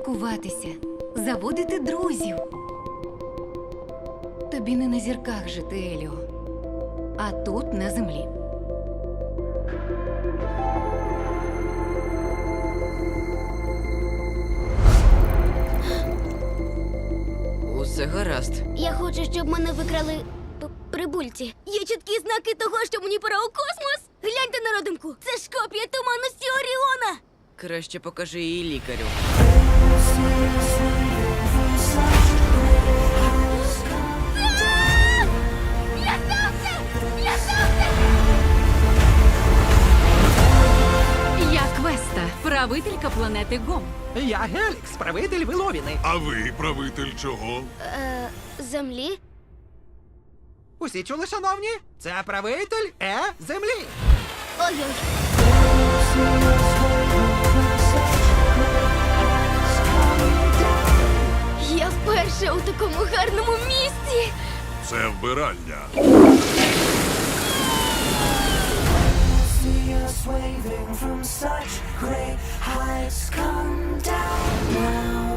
спілкуватися, заводити друзів. Тобі не на зірках жити, Еліо, а тут, на землі. Усе гаразд. Я хочу, щоб мене викрали прибульці. Є чіткі знаки того, що мені пора у космос. Гляньте на родинку. Це ж копія туманності Оріона. Краще покажи її лікарю. Я Квеста, правителька планети Гом. Я Гелікс, правитель Виловіни. А ви правитель чого? Землі? Усі чули, шановні? Це правитель землі. Ой-ой. Я вперше у такому гарному місці. Це вбиральня. See us waving from such great heights. Come down now.